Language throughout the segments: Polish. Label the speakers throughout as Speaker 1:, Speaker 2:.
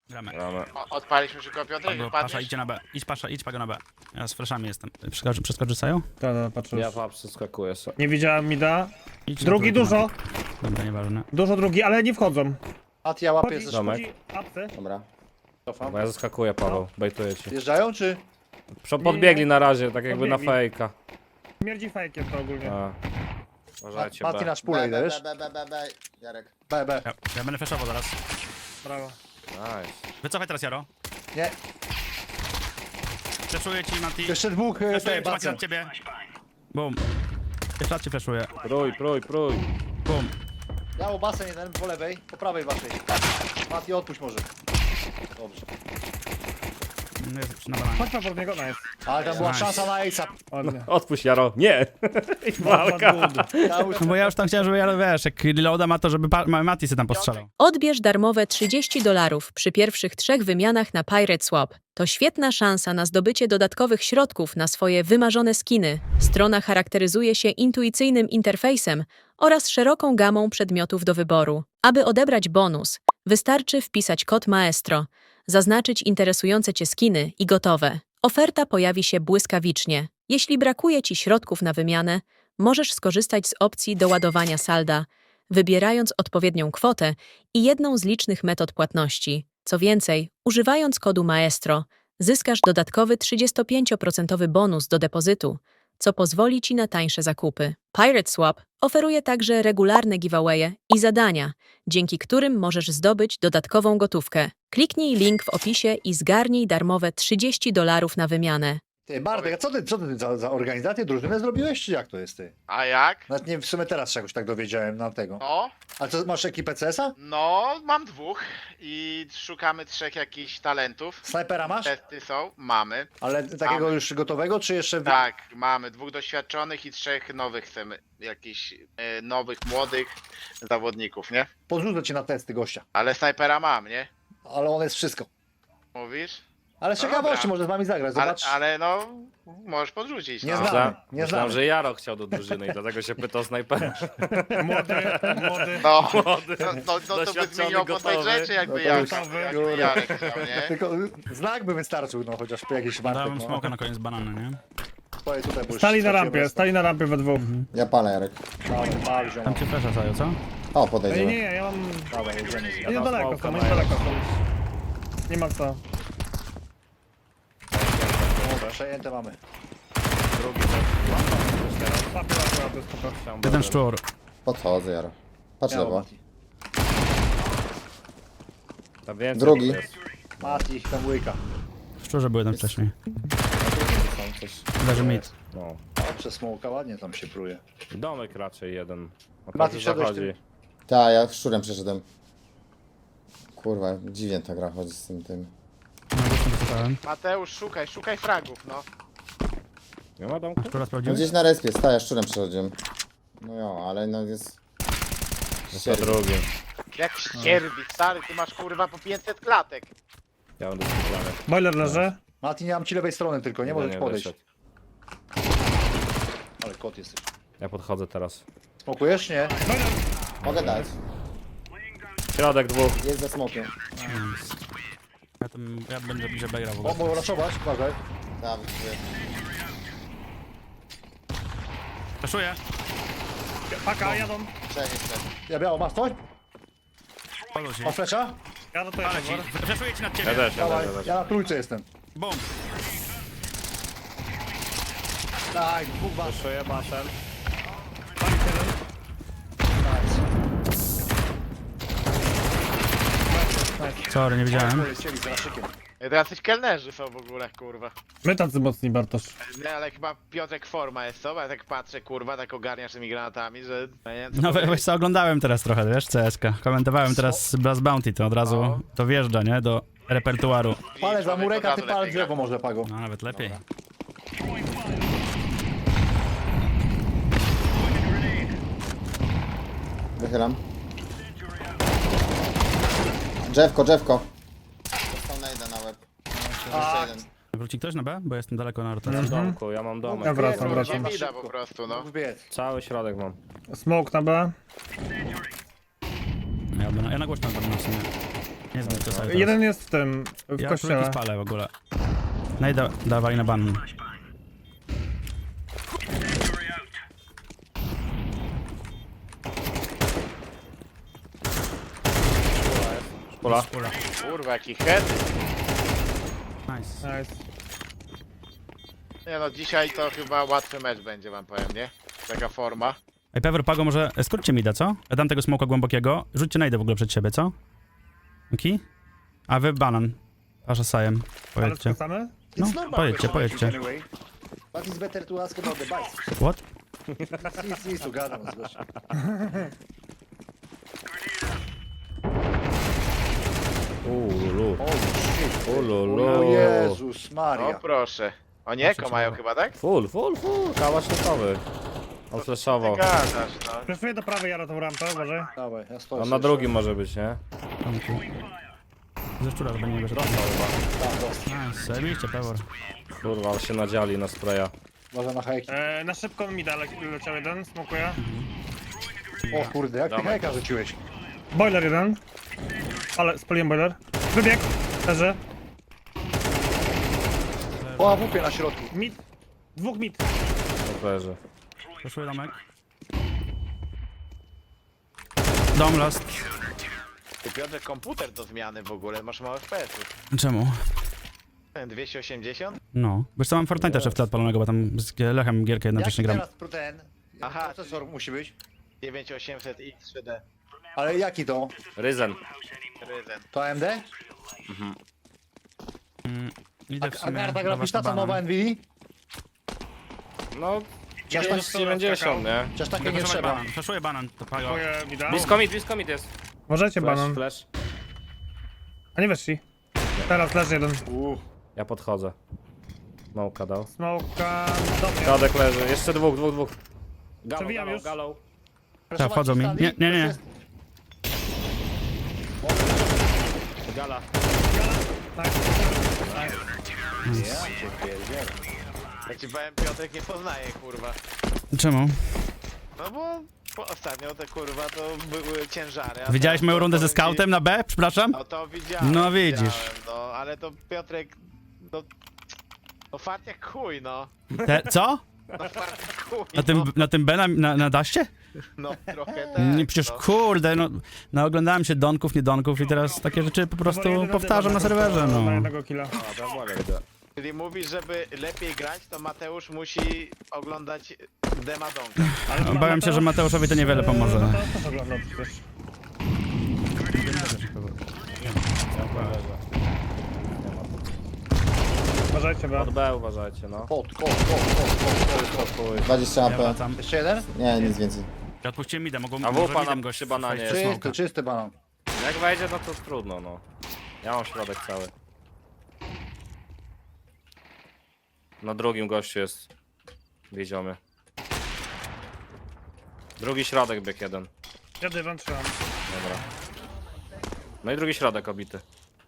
Speaker 1: Gramy.
Speaker 2: Gramy.
Speaker 3: Odpaliśmy szybko Piotrek,
Speaker 1: Pasza,
Speaker 3: wypadniesz?
Speaker 1: idźcie na B. Idź Pago na B. Ja z flashami jestem. Przeskoczy Saju?
Speaker 4: Tak, patrzę
Speaker 2: Ja
Speaker 4: już.
Speaker 2: przeskakuję sobie.
Speaker 4: Nie widziałem mida.
Speaker 1: Idź na
Speaker 4: Drugi
Speaker 1: trójkę,
Speaker 4: dużo.
Speaker 1: Dobra, nieważne.
Speaker 4: Dużo drugi, ale nie wchodzą.
Speaker 5: Mat, ja łapię
Speaker 4: Chodzi,
Speaker 5: ze
Speaker 2: Domek.
Speaker 4: chodzi apsy.
Speaker 5: Dobra. Cofam.
Speaker 2: Bo ja zaskakuję, Paweł, bejtuję ci.
Speaker 5: Wjeżdżają czy?
Speaker 2: Podbiegli na razie, tak jakby na
Speaker 4: Podbiegli.
Speaker 2: fejka.
Speaker 4: Śmierdzi fejkiem to ogólnie.
Speaker 2: A. Uważajcie,
Speaker 5: Mati
Speaker 2: B.
Speaker 5: na szpulę idę, wiesz?
Speaker 6: B, Jarek.
Speaker 5: B.
Speaker 1: Ja będę flashował zaraz.
Speaker 4: Brawo.
Speaker 2: Nice.
Speaker 1: Wycofaj teraz, Jaro.
Speaker 5: Nie.
Speaker 1: Flashuję ci, Mati.
Speaker 5: Jeszcze dwóch
Speaker 1: Flashuję
Speaker 5: tej,
Speaker 1: ci, Mati,
Speaker 5: bacem.
Speaker 1: od ciebie. Bum. Jeszcze raz ci flashuję.
Speaker 2: Prój.
Speaker 1: Bum.
Speaker 5: Ja u basen jeden po lewej, po prawej waszej. Mati, odpuść może. Dobrze.
Speaker 1: No jest na bananie.
Speaker 4: Chodźmy pod niego, nice.
Speaker 5: Ale tam była
Speaker 1: Nice.
Speaker 5: szansa na Ace'a.
Speaker 4: Ładnie.
Speaker 2: Odpuść, Jaro. Nie! I walka.
Speaker 5: Ja już
Speaker 1: No bo ja już tam chciałem, żeby Jaro, wiesz, jak reloada ma to, żeby Mati sobie tam postrzelał.
Speaker 7: Odbierz darmowe $30 przy pierwszych 3 wymianach na Pirate Swap. To świetna szansa na zdobycie dodatkowych środków na swoje wymarzone skiny. Strona charakteryzuje się intuicyjnym interfejsem oraz szeroką gamą przedmiotów do wyboru. Aby odebrać bonus, wystarczy wpisać kod Maestro, zaznaczyć interesujące Cię skiny i gotowe. Oferta pojawi się błyskawicznie. Jeśli brakuje Ci środków na wymianę, możesz skorzystać z opcji doładowania salda, wybierając odpowiednią kwotę i jedną z licznych metod płatności. Co więcej, używając kodu Maestro, zyskasz dodatkowy 35% bonus do depozytu, co pozwoli Ci na tańsze zakupy. Pirate Swap oferuje także regularne giveawaye i zadania, dzięki którym możesz zdobyć dodatkową gotówkę. Kliknij link w opisie i zgarnij darmowe $30 na wymianę.
Speaker 5: Ty, Bartek, a co ty za organizację, drużynę zrobiłeś, czy jak to jest ty?
Speaker 3: A jak?
Speaker 5: Nawet nie, w sumie teraz czegoś tak dowiedziałem na tego.
Speaker 3: No,
Speaker 5: A co, masz ekipę CS-a?
Speaker 3: no, mam 2 i szukamy 3 jakichś talentów.
Speaker 5: Snajpera masz?
Speaker 3: Testy są, mamy.
Speaker 5: Ale takiego
Speaker 3: Mamy.
Speaker 5: już gotowego, czy jeszcze...
Speaker 3: Tak, mamy 2 doświadczonych i 3 nowych chcemy. Jakichś nowych, młodych zawodników, nie?
Speaker 5: Podrzucę cię na testy gościa.
Speaker 3: Ale snajpera mam, nie?
Speaker 5: Ale on jest wszystko.
Speaker 3: Mówisz?
Speaker 5: Ale z
Speaker 3: No
Speaker 5: ciekawości
Speaker 3: dobra.
Speaker 5: może z wami zagrać,
Speaker 3: Ale,
Speaker 5: zobacz.
Speaker 3: ale no, możesz podrzucić.
Speaker 5: Nie
Speaker 3: no.
Speaker 5: znam. Nie
Speaker 2: Myślałem,
Speaker 5: znamy.
Speaker 2: że Jaro chciał do drużyny i dlatego się pytał snajpera.
Speaker 4: Młody.
Speaker 3: No,
Speaker 2: Młody,
Speaker 3: no to by
Speaker 2: doświadczony,
Speaker 3: zmieniło postać
Speaker 2: gotowy.
Speaker 3: rzeczy, jakby
Speaker 5: No to
Speaker 3: jak,
Speaker 5: już-
Speaker 3: jakby Jarek chciał, nie?
Speaker 5: Tylko znak by wystarczył, no chociaż po jakiś Bartek.
Speaker 1: Dałem
Speaker 5: No.
Speaker 1: smoka na koniec banana, nie?
Speaker 5: Stoję tutaj, bo już
Speaker 4: Stali na
Speaker 5: straciłem
Speaker 4: rampie we dwóch.
Speaker 6: Ja palę, Jarek.
Speaker 5: Dawaj, pal, ziom.
Speaker 1: Tam cię flasha, Saju, co?
Speaker 6: O,
Speaker 4: Nie,
Speaker 6: podejdziemy.
Speaker 4: ja mam...
Speaker 5: Dawaj, jedziemy.
Speaker 4: Ja nie daleko
Speaker 2: smoka
Speaker 4: są, nie
Speaker 2: mają.
Speaker 4: daleko są. Nie ma co.
Speaker 5: Przejęte mamy.
Speaker 4: Łapie, spoko.
Speaker 1: Jeden szczur.
Speaker 6: Podchodzę, Jaro. Patrz
Speaker 5: Miało,
Speaker 6: lewo.
Speaker 5: Mati.
Speaker 2: Tam więcej
Speaker 6: Drugi.
Speaker 2: jest.
Speaker 5: Mati, tam łyka.
Speaker 1: W szczurze był jeden wcześniej.
Speaker 6: Tam coś.
Speaker 1: Leży mid.
Speaker 2: No.
Speaker 5: O, przez smoka ładnie tam się pruje.
Speaker 2: Domek raczej jeden. O,
Speaker 5: Mati,
Speaker 2: każdy
Speaker 5: szedłeś
Speaker 2: zachodzi.
Speaker 6: Tak, ja szczurem przeszedłem. Kurwa, dziwnie ta gra chodzi z tym.
Speaker 1: No, już tam wycofałem.
Speaker 3: Mateusz, szukaj fragów, no.
Speaker 2: Nie ma domku?
Speaker 1: Szczura
Speaker 6: No
Speaker 1: sprawdziłeś?
Speaker 6: gdzieś na respie, ja szczurem przeszedłem. No jo, ale no jest...
Speaker 2: To drugi.
Speaker 3: Jak ścierbi, stary, ty masz kurwa po 500 klatek.
Speaker 2: Ja będę skupiony.
Speaker 4: Boiler leży.
Speaker 5: Mati, nie mam ci lewej strony tylko, nie możesz podejść.
Speaker 2: wyszedł.
Speaker 5: Ale kot jesteś.
Speaker 2: Ja podchodzę teraz.
Speaker 5: Smokujesz? Nie.
Speaker 6: Mogę dać.
Speaker 2: Środek dwóch.
Speaker 6: Jest za smokiem.
Speaker 1: Ja będę bliżej B grał w
Speaker 5: O,
Speaker 1: ogóle.
Speaker 5: mogę raszować, uważaj.
Speaker 6: Tam,
Speaker 1: Flashuję.
Speaker 4: Paka, jadą.
Speaker 6: trzech jeszcze.
Speaker 5: Ja biało, masz coś?
Speaker 1: Podał się.
Speaker 5: Masz flesza?
Speaker 4: Jadę to
Speaker 1: Ale
Speaker 4: jeden.
Speaker 1: ci. Flashuję ci nad
Speaker 2: Ja
Speaker 1: ciebie.
Speaker 2: też, ja
Speaker 5: Dawaj,
Speaker 2: też, ja też.
Speaker 5: ja na trójce jestem.
Speaker 1: Bum.
Speaker 5: Tak, dwóch was.
Speaker 2: Wyszuję basen.
Speaker 1: Sorry, nie widziałem.
Speaker 5: Chcieli z raszykiem.
Speaker 3: To jacyś kelnerzy są w ogóle, kurwa.
Speaker 4: My tacy mocni, Bartosz.
Speaker 3: Nie, ale chyba Piotrek forma jest, co? Bo ja tak patrzę, kurwa, tak ogarniasz tymi granatami, że... Ja nie wiem, co
Speaker 1: No
Speaker 3: powiedzieć.
Speaker 1: wiesz co, oglądałem teraz trochę, wiesz, CSK. Komentowałem teraz Blast Bounty, to od razu
Speaker 3: No.
Speaker 1: to wjeżdża, nie, do repertuaru.
Speaker 5: Palę za
Speaker 3: Człowiek
Speaker 5: murek, a
Speaker 3: od
Speaker 5: ty
Speaker 3: razu
Speaker 5: palę
Speaker 3: lepiej
Speaker 5: drzewo
Speaker 3: gra.
Speaker 5: może, Pago.
Speaker 1: No nawet lepiej.
Speaker 6: Wychylam. Drzewko. Dostał najda na łeb. Jeszcze jeden.
Speaker 1: Wróci ktoś na B? Bo jestem daleko na rotacji.
Speaker 2: W domku, ja mam domek.
Speaker 4: Ja wracam,
Speaker 3: Nie
Speaker 4: wracam.
Speaker 3: widać po prostu, no.
Speaker 5: Dwóch biec.
Speaker 2: Cały środek mam.
Speaker 4: Smoke na B.
Speaker 1: Ja na głośno będę w sumie. Nie zmień to sobie
Speaker 4: Jeden jest w tym, w
Speaker 1: ja
Speaker 4: kościele.
Speaker 1: króliki spalę w ogóle. No i dawaj na ban.
Speaker 2: Szpula.
Speaker 3: Kurwa, jaki head.
Speaker 1: Nice.
Speaker 4: Nice.
Speaker 3: Nie no, dzisiaj to chyba łatwy mecz będzie, wam powiem, nie? Taka forma.
Speaker 1: Ej, Pewor, Pago, może skróćcie mi da, co? Ja dam tego smoka głębokiego. Rzućcie najdę w ogóle przed siebie, co? Okej? A wy banan. Pasza sajem.
Speaker 4: Ale
Speaker 1: Pojedźcie.
Speaker 4: skracamy?
Speaker 1: No,
Speaker 5: It's normal
Speaker 1: pojedźcie,
Speaker 5: question
Speaker 1: pojedźcie.
Speaker 5: anyway. But it's better to ask about the bikes.
Speaker 1: What?
Speaker 5: Nic, gadam z gościem.
Speaker 2: Ululu.
Speaker 5: O shit.
Speaker 2: Ululu.
Speaker 5: O Jezus
Speaker 3: O
Speaker 5: Maria.
Speaker 3: proszę. Oni eko mają chyba, tak?
Speaker 2: Full. Kałasznikowy. On flashował.
Speaker 3: Gadasz, no.
Speaker 4: Preferuję do prawej, Jaro, tą rampę, uważaj.
Speaker 5: Dawaj, ja stoję.
Speaker 2: On na drugim może być, nie?
Speaker 1: Ze szczura chyba nie wyszedł.
Speaker 5: Tam dostał.
Speaker 1: Nice, zajebiście, Pewor.
Speaker 2: Kurwa, ale się nadziali na spraya.
Speaker 5: Może na hejki.
Speaker 4: Na szybko mi leciał jeden, smokuję.
Speaker 5: O kurde, jak ty
Speaker 2: Dawaj.
Speaker 5: hejka rzuciłeś?
Speaker 4: Boiler jeden. Ale spaliłem boiler. Wybieg. Leży.
Speaker 5: O, AWP na środku.
Speaker 4: Mid. Dwóch mid.
Speaker 2: Leży.
Speaker 1: Proszę domek. Dom last.
Speaker 3: Ty Piotrek, komputer do zmiany w ogóle, masz małe FPS-ów.
Speaker 1: Czemu?
Speaker 3: 280?
Speaker 1: No. Wiesz co, mam Fortnite jeszcze w tle odpalonego, bo tam z Lechem gierkę jednocześnie
Speaker 5: Jaki
Speaker 1: gram.
Speaker 5: teraz ten
Speaker 3: Aha,
Speaker 5: procesor musi być?
Speaker 3: 9800X 3D.
Speaker 5: Ale jaki to?
Speaker 2: Ryzen.
Speaker 3: Ryzen.
Speaker 5: To AMD?
Speaker 1: Idę w
Speaker 5: A
Speaker 1: sumie
Speaker 5: karta
Speaker 1: do was
Speaker 5: graficzna
Speaker 1: na
Speaker 5: to
Speaker 1: banan.
Speaker 5: nowa NVIDIA?
Speaker 2: No,
Speaker 5: Chociaż tak-
Speaker 2: 90, nie?
Speaker 5: Chociaż takie nie
Speaker 1: Flashuję
Speaker 5: trzeba.
Speaker 1: banan, flashuję banan, to Pago.
Speaker 4: Moje mida.
Speaker 2: Blisko mid jest.
Speaker 4: Uważajcie, banan.
Speaker 2: Flash.
Speaker 4: A nie weszli. Teraz leży jeden.
Speaker 2: Ja podchodzę. Małka dał.
Speaker 4: Smoka do mnie.
Speaker 2: Środek leży. Jeszcze dwóch.
Speaker 4: Przewijam już.
Speaker 2: Galą.
Speaker 1: Tak, wchodzą mi. Nie, nie, nie.
Speaker 2: Gala.
Speaker 4: Tak.
Speaker 3: Ja ci powiem, Piotrek nie poznaje, kurwa.
Speaker 1: Czemu?
Speaker 3: No bo ostatnio te kurwa to były ciężary. a
Speaker 1: Widziałeś
Speaker 3: to-
Speaker 1: moją
Speaker 3: to
Speaker 1: rundę ze
Speaker 3: powiem ci-
Speaker 1: scoutem na B? Przepraszam?
Speaker 3: No to widziałem.
Speaker 1: No widzisz.
Speaker 3: Widziałem, no, ale to Piotrek, no fart jak chuj, no.
Speaker 1: Co?
Speaker 3: No fart jak chuj,
Speaker 1: Na tym B na daście?
Speaker 3: no trochę tak.
Speaker 1: Nie, przecież
Speaker 3: no.
Speaker 1: kurde, no oglądałem się donków, nie donków i teraz takie rzeczy po prostu powtarzam na serwerze,
Speaker 4: Na
Speaker 1: no.
Speaker 4: jednego killa.
Speaker 3: Czyli mówisz, żeby lepiej grać, to Mateusz musi oglądać Demadonka.
Speaker 1: Obawiam się, że Mateuszowi to niewiele pomoże.
Speaker 4: No to też oglądał przecież. Uważajcie, bo...
Speaker 2: Od B uważajcie, no.
Speaker 5: Kot.
Speaker 6: 20
Speaker 1: Ja
Speaker 6: AP.
Speaker 1: wracam.
Speaker 5: Jeszcze jeden?
Speaker 6: Nie, nic więcej.
Speaker 1: Ja odpuściłem mida, mogą
Speaker 2: A
Speaker 1: może
Speaker 2: wupa
Speaker 1: midem
Speaker 2: na
Speaker 1: gość
Speaker 2: przy bananie
Speaker 1: wejść
Speaker 2: jest.
Speaker 1: w smoka.
Speaker 5: Czysty banan.
Speaker 2: Jak wejdzie, no to trudno, no. Ja mam środek cały. Na drugim gościu jest. Wiedziomy. Drugi środek bieg jeden.
Speaker 4: Ja dywan trzymam.
Speaker 2: Dobra. No i drugi środek obity.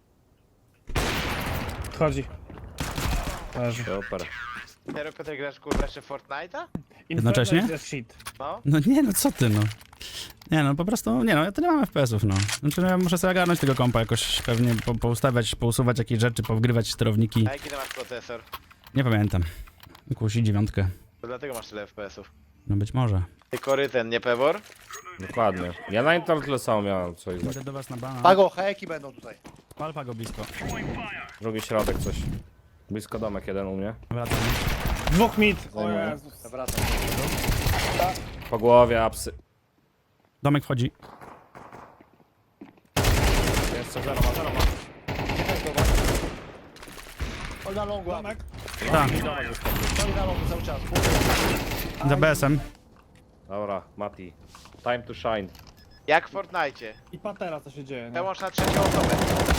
Speaker 4: Wchodzi. Leży.
Speaker 2: Super.
Speaker 3: Teraz Piotrek grasz kurwa jeszcze Fortnite'a?
Speaker 1: Jednocześnie?
Speaker 4: Inferno jest shit.
Speaker 3: No.
Speaker 1: No nie, no co ty, no. Nie no, po prostu, nie no, ja to nie mam FPS-ów, no. Znaczy, no, ja muszę sobie ogarnąć tego kompa jakoś pewnie, poustawiać, pousuwać jakieś rzeczy, powgrywać sterowniki.
Speaker 3: A jaki ty masz procesor?
Speaker 1: Nie pamiętam. Jakąś 9.
Speaker 3: To dlatego masz tyle FPS-ów.
Speaker 1: No być może.
Speaker 3: Ty koryten, nie Pewor?
Speaker 2: Dokładnie. Ja na internet tyle samo miałem coś.
Speaker 1: Idę do was na bana.
Speaker 5: Pago, hejki będą tutaj.
Speaker 1: Pal Pago blisko.
Speaker 2: Drugi środek coś. Blisko domek jeden u mnie.
Speaker 1: Wracam.
Speaker 4: Dwóch mid. O
Speaker 6: Zajmuję.
Speaker 4: Jezus.
Speaker 5: Wracam.
Speaker 2: Po głowie, apsy.
Speaker 1: Domek wchodzi.
Speaker 2: Jeszcze zero ma.
Speaker 5: Oj na longu,
Speaker 4: Domek.
Speaker 1: Tak,
Speaker 5: oj na longu cały czas.
Speaker 1: za BS-em.
Speaker 2: Dobra, Mati. Time to shine.
Speaker 3: Jak w Fortnite'cie.
Speaker 4: I patera co się dzieje. No.
Speaker 3: Przełącz na trzecią osobę.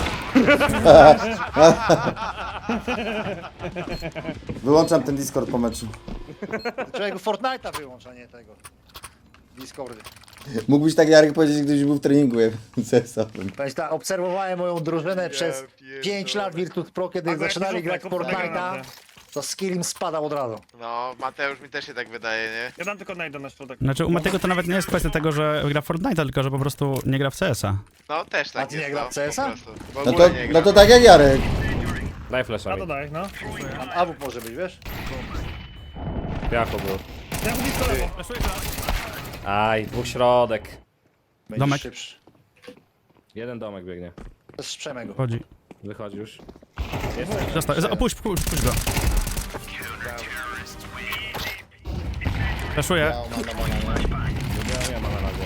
Speaker 6: Wyłączam ten Discord po meczu.
Speaker 5: Człowieku Fortnite'a wyłącz, a nie tego. Discordy.
Speaker 6: Mógłbyś tak, Jarek, powiedzieć, gdybyś był w treningu CS-owym.
Speaker 5: Powiedz tak, obserwowałem moją drużynę przez
Speaker 3: pierdolę.
Speaker 5: 5 lat Virtus Pro, kiedy
Speaker 4: Pago, jak
Speaker 5: zaczynali
Speaker 4: rzucę,
Speaker 5: grać w
Speaker 4: kup tego
Speaker 5: Fortnite'a.
Speaker 4: naprawdę.
Speaker 5: To skill im spadał od razu.
Speaker 3: No, Mateusz mi też się tak wydaje, nie?
Speaker 4: Ja dam tylko najdę na środek.
Speaker 1: Znaczy u Matego to nawet nie jest kwestia tego, że gra w Fortnite'a, tylko że po prostu nie gra w CS-a.
Speaker 3: No, też tak
Speaker 5: A ty
Speaker 3: jest,
Speaker 5: nie gra w CS-a?
Speaker 3: po prostu. W
Speaker 6: No
Speaker 3: ogóle
Speaker 6: to,
Speaker 3: nie gra.
Speaker 6: no to tak jak Jarek.
Speaker 2: Daj flasha
Speaker 4: A
Speaker 2: mi.
Speaker 4: to daj, no.
Speaker 5: Tam AWP może być, wiesz?
Speaker 2: Piacho był.
Speaker 4: Ja blisko lewo.
Speaker 2: Aj, dwóch środek.
Speaker 5: Będziesz
Speaker 1: Domek.
Speaker 5: szybszy.
Speaker 2: Jeden domek biegnie.
Speaker 5: To jest Przemego.
Speaker 1: Chodzi.
Speaker 2: Wychodzi już.
Speaker 1: Został. Opuść go. Flashuję.
Speaker 6: Ja mam na bananie.
Speaker 2: Nie ma na razie.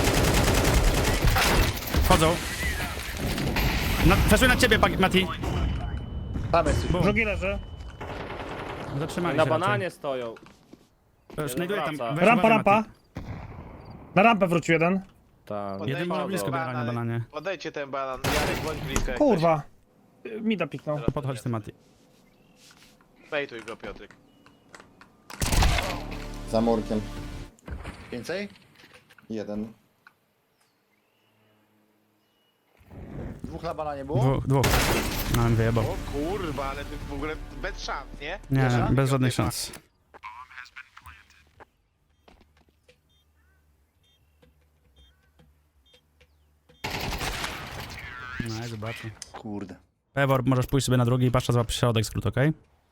Speaker 1: Wchodzą. Flashuję na ciebie, Mati.
Speaker 5: Tam jest.
Speaker 4: Drugi leży.
Speaker 1: Zatrzymali
Speaker 2: Na
Speaker 1: się
Speaker 2: bananie stoją.
Speaker 1: raczej. Znajduję tam.
Speaker 2: wraca.
Speaker 1: Weź
Speaker 4: Rampa,
Speaker 1: uważaj,
Speaker 4: rampa.
Speaker 1: Mati.
Speaker 4: Na rampę wrócił jeden.
Speaker 2: Tam.
Speaker 1: Jeden ma blisko biegania na bananie.
Speaker 3: Odejdźcie ten banan, Jarek, bądź blisko. jak
Speaker 4: Kurwa. Mida piknął.
Speaker 1: Podchodź ty, Mati.
Speaker 3: ktoś. Bejtuj go, Piotrek.
Speaker 6: Za murkiem.
Speaker 5: Więcej?
Speaker 6: Jeden.
Speaker 5: Dwóch na bananie było?
Speaker 1: Dwóch. Mam wyjebał.
Speaker 3: O kurwa, ale ty w ogóle bez szans, nie?
Speaker 1: Nie,
Speaker 5: szans?
Speaker 1: bez żadnych szans. No, zobaczę.
Speaker 5: Kurde.
Speaker 1: Pewor, możesz pójść sobie na drugi i patrz, złap środek skrót, okej?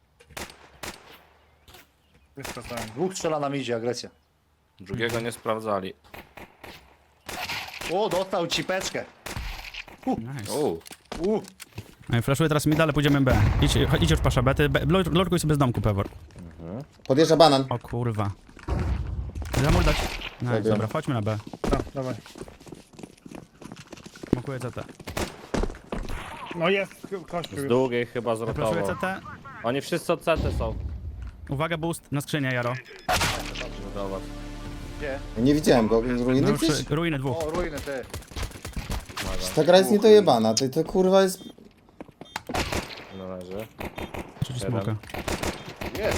Speaker 5: Dwóch strzela na midzie, agresja.
Speaker 2: Drugiego nie sprawdzali.
Speaker 5: O, dostał cipeczkę.
Speaker 1: Nice. Flashuję teraz mida, ale pójdziemy B. Idź już pasza B, ty lurkuj sobie z domku, Pewor.
Speaker 6: Podjeżdża banan.
Speaker 1: O kurwa. Zamur dać. Nice,
Speaker 6: Dobra.
Speaker 1: dobra, chodźmy na B.
Speaker 4: Dawaj.
Speaker 1: Smokuję CT.
Speaker 4: No jest kościół
Speaker 2: Z
Speaker 4: już.
Speaker 2: długiej chyba
Speaker 1: Flashuję
Speaker 2: zrotował.
Speaker 1: CT.
Speaker 2: Oni wszyscy od CT są.
Speaker 1: Uwaga, boost na skrzynię, Jaro.
Speaker 2: Zobacz.
Speaker 5: Gdzie?
Speaker 6: Nie widziałem go.
Speaker 1: No
Speaker 6: Ruiny
Speaker 1: już
Speaker 6: gdzieś?
Speaker 1: ruiny dwóch.
Speaker 5: O, ruiny ty.
Speaker 6: Ta gra jest niedojebana. To kurwa jest...
Speaker 2: Należy.
Speaker 1: Trzeci smoka.
Speaker 5: Jest.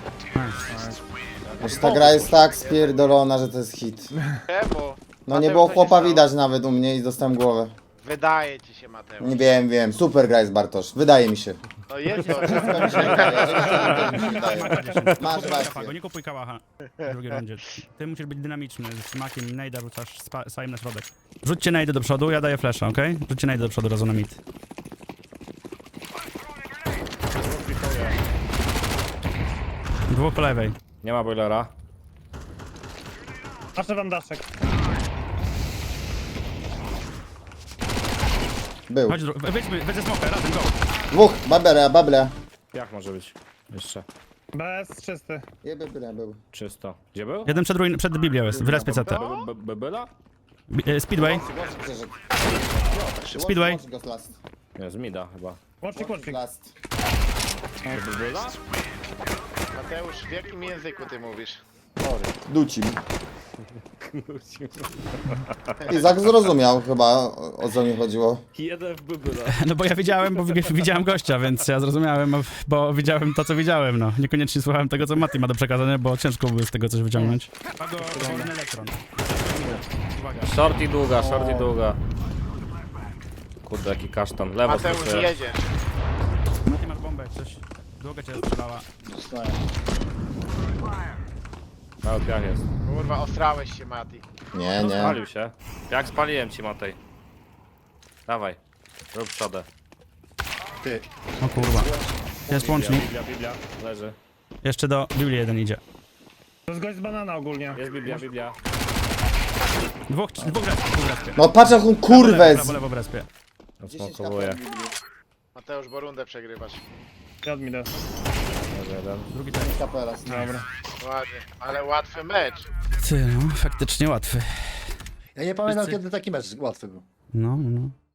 Speaker 6: Aż ta gra jest tak spierdolona, że to jest hit.
Speaker 3: Czemu?
Speaker 6: No nie było chłopa widać nawet u mnie i dostałem głowę.
Speaker 3: Wydaje ci się, Mateusz.
Speaker 6: Nie wiem. Super gra jest Bartosz. Wydaje mi się.
Speaker 3: No jest to.
Speaker 6: Wszystko mi się wydaje. Masz
Speaker 1: Kałacha,
Speaker 6: rację.
Speaker 1: go nie kupuj kałacha w drugiej rundzie. Ty musisz być dynamiczny, z smakiem najda rzucasz sajem na środek. Rzućcie najdy do przodu, ja daję flasha, okej? Rzućcie najdy do przodu, razu na mid. Dwóch po lewej.
Speaker 2: Nie ma boilera.
Speaker 4: Patrzę wam daszek.
Speaker 6: Był.
Speaker 1: Chodź, wyjdź ze smoka, razem, go.
Speaker 6: Dwóch. Babele.
Speaker 2: Jak może być? Jeszcze.
Speaker 4: Bez czysty.
Speaker 6: Byle był.
Speaker 2: Czysto. Gdzie był?
Speaker 1: Jeden przed Biblią jest, w respie CT.
Speaker 2: Byla?
Speaker 1: Speedway,
Speaker 6: Przeszedł.
Speaker 1: Speedway.
Speaker 6: Watch go last.
Speaker 2: Nie, z mida chyba.
Speaker 4: Łącznik, łącznik.
Speaker 6: Last.
Speaker 2: Byla?
Speaker 3: Mateusz, w jakim języku ty mówisz?
Speaker 6: Ducim. Izak zrozumiał chyba o co mi chodziło.
Speaker 2: Jeden w byla.
Speaker 1: No bo ja widziałem gościa, więc ja zrozumiałem, bo widziałem to, co widziałem, no. Niekoniecznie słuchałem tego, co Mati ma do przekazania, bo ciężko byłoby z tego coś wyciągnąć. Wolny elektron.
Speaker 2: Short i długa. Kurde, jaki kasztan. Lewo
Speaker 3: Mateusz,
Speaker 2: skrócę.
Speaker 3: jedziesz.
Speaker 1: Mati, masz bombę, jak coś. Długa cię strzelała.
Speaker 2: Mały piach jest.
Speaker 3: Kurwa, ostrałeś się, Mati.
Speaker 6: Nie.
Speaker 2: Spalił się. Jak spaliłem ci, Matej. Dawaj. Rób przodę.
Speaker 5: Ty.
Speaker 1: O kurwa. Jest łącznik.
Speaker 2: Biblia. Leży.
Speaker 1: Jeszcze do Biblii jeden idzie.
Speaker 4: To jest gość z banana ogólnie.
Speaker 2: Jest Biblia.
Speaker 1: Dwóch w respie.
Speaker 6: No patrz jak on kurwę
Speaker 1: Prawo, lewo w respie.
Speaker 2: Osmokowuję.
Speaker 3: Mateusz, bo rundę przegrywasz.
Speaker 4: Ja od mida.
Speaker 2: Leży jeden.
Speaker 1: Drugi też.
Speaker 6: Kapelas.
Speaker 4: Dobra.
Speaker 3: Ładnie, ale łatwy mecz.
Speaker 1: Ty, no, faktycznie łatwy.
Speaker 5: Ja nie pamiętam,
Speaker 1: Wszyscy-
Speaker 5: kiedy taki mecz łatwy był.
Speaker 1: No.